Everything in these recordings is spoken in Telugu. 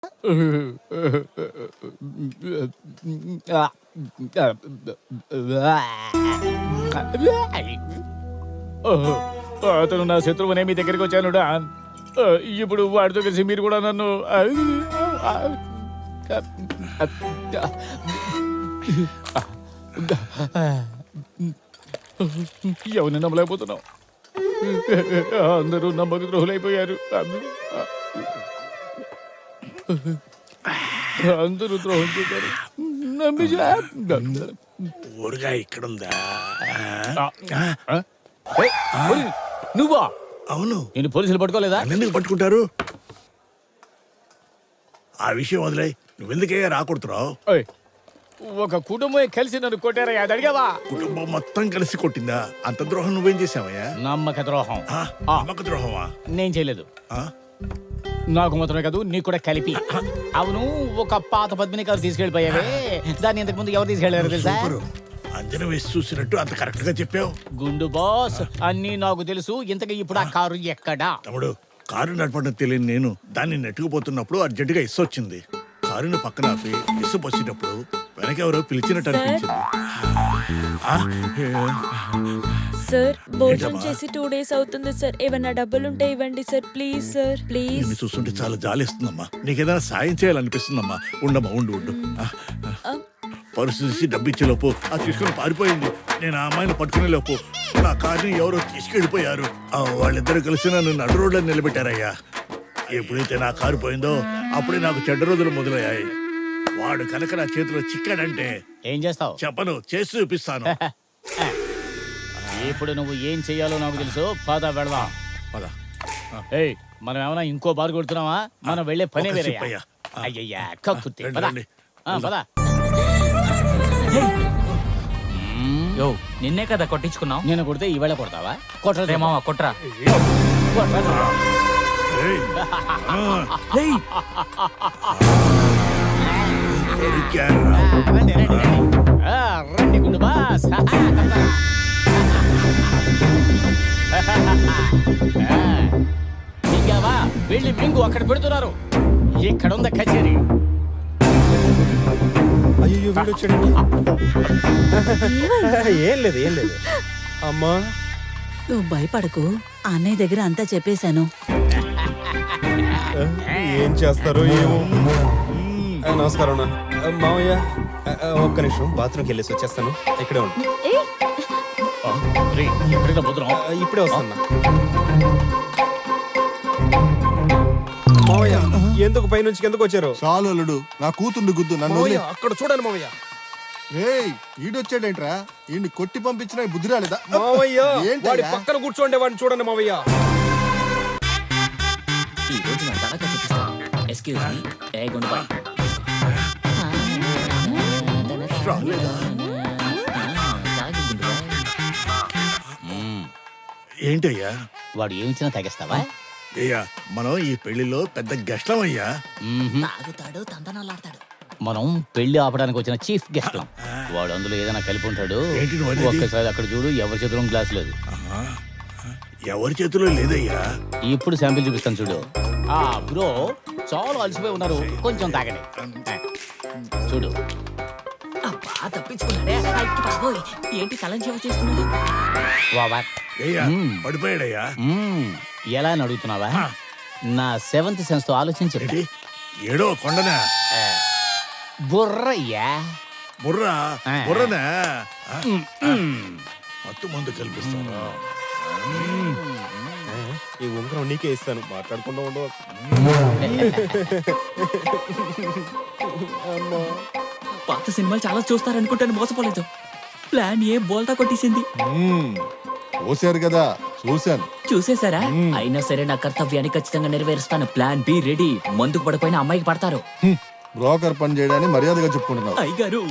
అతను నా శత్రువునే మీ దగ్గరికి వచ్చాను డాన్. ఇప్పుడు వాడితో కలిసి మీరు కూడా నన్ను ఎవరిని నమ్మలేకపోతున్నావు. అందరూ నమ్మక ద్రోహులైపోయారు. అందరూ ద్రోహం చేశారు. ఊరుగా ఇక్కడుందా? నువ్వా? అవును. నేను పోలీసులు పట్టుకోలేదా? ఎందుకు పట్టుకుంటారు? ఆ విషయం వదిలే. నువ్వెందుకయ్యా రాకూడుతున్నావు? ఒక కుటుంబం కలిసి నన్ను కొట్టారయ్యా, అది అడిగావా? కుటుంబం మొత్తం కలిసి కొట్టిందా? అంత ద్రోహం నువ్వేం చేసావయ్యా? నమ్మక ద్రోహం. నమ్మక ద్రోహమా? నేను చేయలేదు. ఆ? నాకు మాత్రమే కాదు, నీకు కూడా కలిపి. అవును, ఒక పాత పద్మిని కారు తీసుకెళ్లిపోయావే, దాన్ని ఇంతకు ముందు ఎవరు తీసుకెళ్లారు తెలుసా? అంజన వేసి చూసినట్టు అంత కరెక్ట్ గా చెప్పావు. గుండు బాస్, అన్నీ నాకు తెలుసు. ఇంతకీ ఇప్పుడు ఆ కారు ఎక్కడా? తమ్ముడు, కారు నడపడం తెలియని నేను దాన్ని నెట్టుకుపోతున్నప్పుడు అర్జెంటుగా ఇస్సు వచ్చింది. కారుని పక్కన ఆపి ఇస్సు పోసినప్పుడు వెనకెవరో పిలిచినట్టు అనిపించింది. సార్, భోజనం చేసి 2 days అవుతుంది సార్. ఏమన్నా డబ్బులుంటే ఇవ్వండి సార్, ప్లీజ్ సార్, ప్లీజ్. నిన్ను చూస్తుంటే చాలా జాలిస్తుందమ్మా. నీకేదైనా సాయం చేయాలనిపిస్తుందమ్మా. ఉండమ్మా, ఉండు ఉండు. పరుసు తీసి డబ్బు ఇచ్చేలోపు అది తీసుకుని పారిపోయింది. నేను ఆ అమ్మాయిని పట్టుకునే లోపు నా కార్ని ఎవరో తీసుకెళ్ళిపోయారు. వాళ్ళిద్దరు కలిసి నన్ను నడు రోడ్లో నిలబెట్టారయ్యా. ఎప్పుడైతే నా కారు పోయిందో అప్పుడే నాకు చెడ్డ రోజులు మొదలయ్యాయి. వాడు కనుక నా చేతిలో చిక్కాడంటే ఏం చేస్తావు? చెప్పను, చేసి చూపిస్తాను. ఇప్పుడు నువ్వు ఏం చెయ్యాలో నాకు తెలుసు. పద వెళదాం. పద. ఏయ్, మనం ఏమైనా ఇంకో బారు కొడుతున్నావా? మనం వెళ్ళే పని వేరే. అయ్యయ్యా, కక్కుర్తి. పద. పద. యో, నిన్నే కదా కొట్టించుకున్నావు. నేను కొడితే ఈవేళ కొడతావా? కొట్టరా మావా, కొట్రా. రండి గుండు బాస్. ఇంకావా, వెళ్ళి మింగు అక్కడ పెడుతున్నారు. ఇక్కడ ఉందా కచేరీ? అయ్యో, వీడు వచ్చాడండి. ఏం లేదు, ఏం లేదు. అమ్మా, నువ్వు భయపడకు, అన్నయ్య దగ్గర అంతా చెప్పేశాను. ఏం చేస్తారో ఏమో. నమస్కారం మావయ్య. ఒక్క నిమిషం, బాత్రూమ్కి వెళ్ళేసి వచ్చేస్తాను. ఇక్కడే ఉండు. ఇప్పుడే వస్తున్నా. మావయ్య, ఎందుకు పైనుంచి ఎందుకు వచ్చారు? చాలు అల్లుడు, నా కూతుర్ని గుద్దు. నన్ను అక్కడ చూడండి మావయ్య. ఈడొచ్చాడేంట్రా? ఈయన్ని కొట్టి పంపించిన బుద్ధి రాలేదా? మావయ్య, వాడి పక్కన కూర్చోండి, వాడిని చూడండి మావయ్య. ఈ రోజు నా తడక చూపిస్తాను. ఎక్స్క్యూజ్ మీ, ఏ గుండుబాయ్. ఏంటయ్యా? వాడు ఏమిచ్చినా తగ్గిస్తావా? అయ్యా, మనం ఈ పెళ్లిలో పెద్ద గెస్ట్లం అయ్యా. తాగుతాడు, తందనాలాడతాడు. మనం పెళ్లి ఆపడానికి వచ్చిన చీఫ్ గెస్ట్. వాడు అందులో ఏదైనా కలిపి ఉంటాడు. ఒక్కసారి అక్కడ చూడు, ఎవరి చేతిలో గ్లాస్ లేదు. ఎవరి చేతిలో లేదయ్యా. ఇప్పుడు శాంపిల్ చూపిస్తాను చూడు. బ్రో, చాలా అలసిపోయి ఉన్నారు, కొంచెం తాగండి. చూడు. అబ్బా, తప్పించుకున్నాడే. ఏంటి కలం చేవ చేసుకున్నాడు? పడిపోయాడయ్యా. ఎలా అని అడుగుతున్నావా? నా 7th సెన్స్ తో ఆలోచించి. ఏడో కొండనా? బుర్రయ్యా. బుర్రా? బుర్రనా? మత్తు మందు కల్పిస్తారా? ఈ ఉంగరం నీకే ఇస్తాను, మాట్లాడకుండా ఉండవు. పాత సినిమాలు చాలా చూస్తారనుకుంటాను, మోసపోలేదు. ప్లాన్ ఏ బోల్తా కొట్టేసింది. చూశారు కదా, చూశాను. చూసేశారా? అయినా సరే నా కర్తవ్యాన్ని ఖచ్చితంగా నెరవేరుస్తాను. Plan be ready. మందుకు పడిపోయిన అమ్మాయికి పడతారు. బ్రోకర్ పని చేయడాన్ని మర్యాదగా చెప్పుకుంటున్నావు. అయ్యగారు,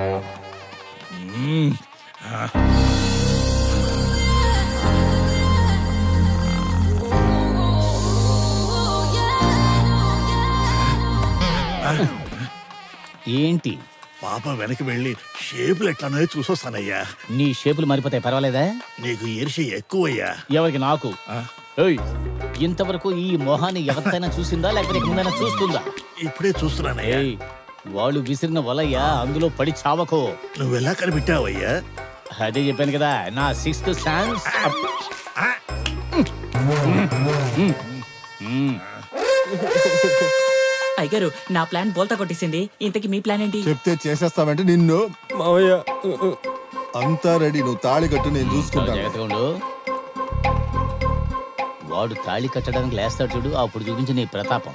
ఏంటి? పాప వెనక్కి వెళ్ళి షేపులు ఎట్లానో చూసొస్తానయ్యా. నీ షేపులు మారిపోతాయి, పర్వాలేదా? నీకు ఈర్ష్య ఎక్కువయ్యా. ఎవరికి? నాకు. ఇంతవరకు ఈ మొహాన్ని ఎవరితైనా చూసిందా లేకపోతే ముందైనా చూస్తుందా? ఇప్పుడే చూస్తున్నానయ్యా. ఏయ్, వాళ్ళు విసిరిన వలయ్యా, అందులో పడి చావకో. నువ్వెలా కనిపెట్టావయ్యా? అదే చెప్పాను కదా, నా 6th సెన్స్. అయ్యగారు నా ప్లాన్ బోల్తా కొట్టేసింది. ఇంతకి మీ ప్లాన్ ఏంటి? చెప్తే చేసేస్తావంటే నిన్ను. మావయ్య అంతా రెడీ, నువ్వు తాళి కట్టు, నేను చూసుకుంటాను. జాగ్రత్తగా ఉండు. వాడు తాళి కట్టడానికి లేస్తాడు చూడు, అప్పుడు చూపించి నీ ప్రతాపం.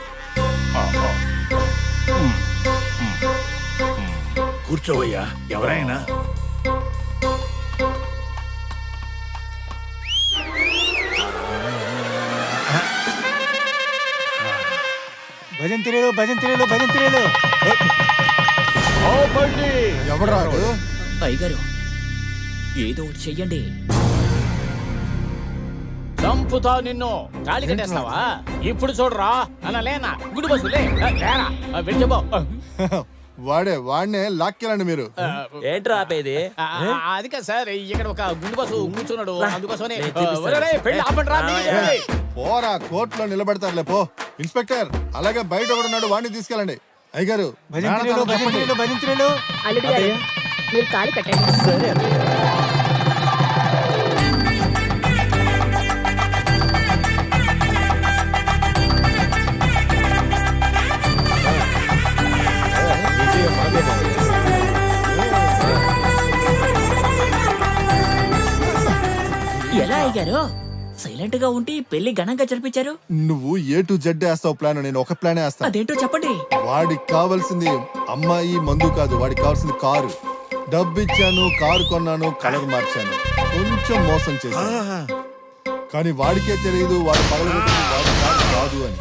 కూర్చోవయ్యా. ఎవరైనా భజంతిరేలు భజంతిరేలు భజంతిరేలు. ఎవరాడు? అయ్యగారు ఏదో ఒకటి చెయ్యండి. చంపుతా నిన్ను. తాళి కట్టేస్తావా? ఇప్పుడు చూడరా. అలా లేనా గుడి బస్సు లేరా వెళ్ళిపో. వాడినే లాక్కెళ్ళండి మీరు. ఏంట్రా ఆపేది? అది కాదు సార్, ఇక్కడ ఒక గుండు బస్సు కూర్చున్నాడు, అందుకోసమని. ఒరేయ్, పెళ్ళి ఆపండిరా, మీకే పెళ్ళి. పోరా, కోర్టులో నిలబెడతారులే పో. ఇన్స్పెక్టర్, అలాగే బయట ఒకడు ఉన్నాడు, వాడిని తీసుకెళ్ళండి. అయ్యగారు చెప్పండి. అల్లుడు గారు మీరు తాళి కట్టండి. ఎలా అయ్యారు? సైలెంట్ గా ఉండి పెళ్లి ఘనంగా జరిపించారు. నువ్వు ఏ టు జెడ్ వేస్తావు ప్లాన్, నేను ఒక ప్లానే వేస్తాను. అదేంటో చెప్పండి. వాడికి కావాల్సింది అమ్మాయి మందు కాదు, వాడికి కావాల్సింది కారు. డబ్బు ఇచ్చాను, కారు కొన్నాను, కలర్ మార్చాను, కొంచెం మోసం చేశాను. కానీ వాడికే తెలియదు వాడు పగలగొట్టింది వాడి కారు కాదు అని.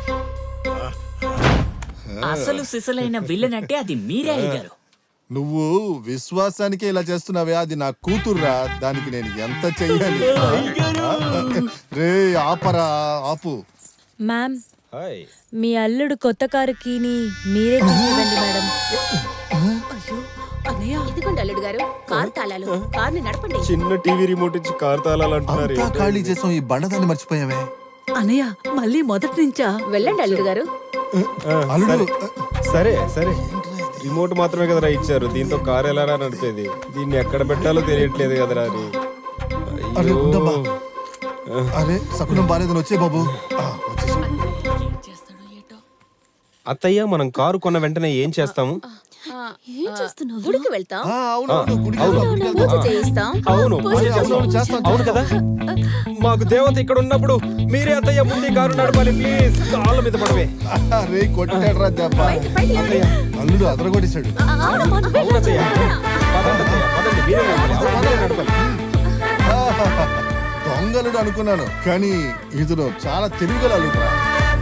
అసలు సిసలైన విలన్ అంటే అది మీరే అయ్యారు. నువ్వు విశ్వాసానికే ఇలా చేస్తున్నావే, అది నా కూతుర్రా, దానికి నేను ఎంత చెయ్యాలి? రే ఆపరా, ఆపు. Ma'am, hi. మీ అల్లుడు కొత్త కారు కీని మీరే తీసివ్వండి మేడం. అయ్యో అన్నయ్య, ఇదిగోండి అల్లుడు గారు కారు తాళాలు. కారుని నడపండి. చిన్న టీవీ రిమోట్ ఇచ్చి కార్ తాళాలు అంటున్నారు. అంతా ఖాళీ చేసాం, ఈ బండదాన్ని మర్చిపోయావే. అన్నయ్య మళ్ళీ మొదటి నుంచా? వెళ్ళండి అల్లుడు గారు. అల్లుడు సరే సరే, రిమోట్ మాత్రమే కదరా ఇచ్చారు, దీంతో కార్ ఎలా నడిపేది? దీన్ని ఎక్కడ పెట్టాలో తెలియట్లేదు కదరా అని. అరే ఉండమ్మా. అరే సకునం బాలేదని వచ్చే బాబు. వచ్చేసాం. అత్తయ్య, మనం కారు కొన్న వెంటనే ఏం చేస్తాము? ఏం చేస్తున్నావు? గుడికి వెళ్తాం. అవును గుడికి వెళ్దాం, గుడికి పూజ వెళ్దాం. చేయిస్తాం. అవును, పూజ అవును, చేస్తాం. అవును కదా. మాకు దేవత ఇక్కడ ఉన్నప్పుడు మీరే అత్తయ్య ముందు కారు నడపాలి ప్లీజ్. కాళ్ళ మీద పడవే. రే కొట్టాడురా దెబ్బ. అల్లుడు అదరగొట్టేశాడు. అవును అత్తయ్య. పదండి అత్తయ్య, పదండి, మీరే నడపాలి. అవును, మీరే నడపాలి. దొంగలుడు అనుకున్నాను, కానీ ఇతను చాలా తెలివిగల అల్లుడురా.